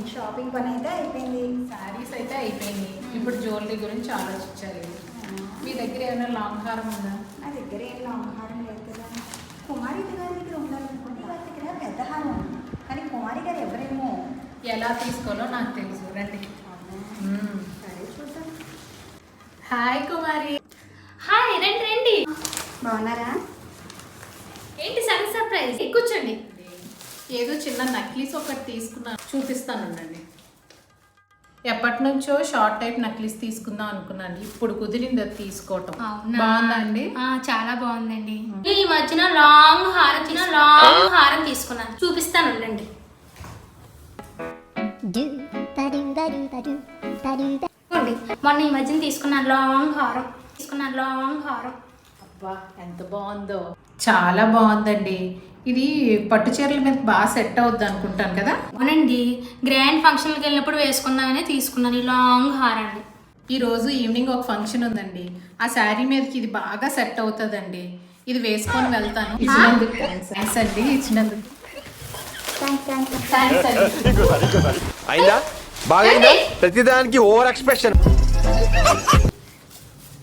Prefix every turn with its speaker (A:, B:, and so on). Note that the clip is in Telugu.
A: షాపింగ్ పని అయితే అయిపోయింది.
B: శారీస్ అయితే అయిపోయింది. ఇప్పుడు జ్యువెలరీ గురించి ఆలోచించాలి. మీ దగ్గర ఏమైనా లాంగ్ హారం ఉందా?
A: నా దగ్గర ఏం లాంగ్ హారం లేదు కదా. కుమారి గారి దగ్గర ఉండాలనుకుంటే వారి దగ్గర పెద్ద హారం ఉంది, కానీ కుమారి గారు ఎవరేమో.
B: ఎలా తీసుకోవాలో నాకు తెలుసు, రండి.
A: సరే చూద్దాం.
B: హాయ్ కుమారి.
C: హాయ్, రండి రండి.
A: బాగున్నారా?
C: ఏంటి సడన్ సర్ప్రైజ్? కూర్చోండి.
B: ఏదో చిన్న నక్లీస్ ఒకటి తీసుకున్నాను, చూపిస్తాను ఉండండి. ఎప్పటి నుంచో షార్ట్ టైప్ నక్లీస్ తీసుకుందాం అనుకున్నాను, ఇప్పుడు కుదిరింది అది తీసుకోవటం. బాగుందా అండి?
C: చాలా బాగుందండి. ఈ మధ్యన లాంగ్ హారం తీసుకున్నాను, చూపిస్తాను ఉండండి. మొన్న ఈ మధ్యన తీసుకున్నాను లాంగ్ హారం.
B: అబ్బా ఎంత బాగుందో, చాలా బాగుందండి. ఇది పట్టు చీరల మీద బాగా సెట్ అవుద్ది అనుకుంటాను కదా.
C: అవునండి, గ్రాండ్ ఫంక్షన్కి వెళ్ళినప్పుడు వేసుకుందామని తీసుకున్నాను ఈ లాంగ్ హారాన్ని.
B: ఈ రోజు ఈవినింగ్ ఒక ఫంక్షన్ ఉందండి, ఆ శారీ మీదకి ఇది బాగా సెట్ అవుతుందండి. ఇది వేసుకొని వెళ్తాను. ఇచ్చినందుకు థ్యాంక్స్ అండి. ఇచ్చినందుకు థ్యాంక్స్ అండి.
D: అయిందా? బాగా ప్రతిదానికి ఓవర్ ఎక్స్ప్రెషన్.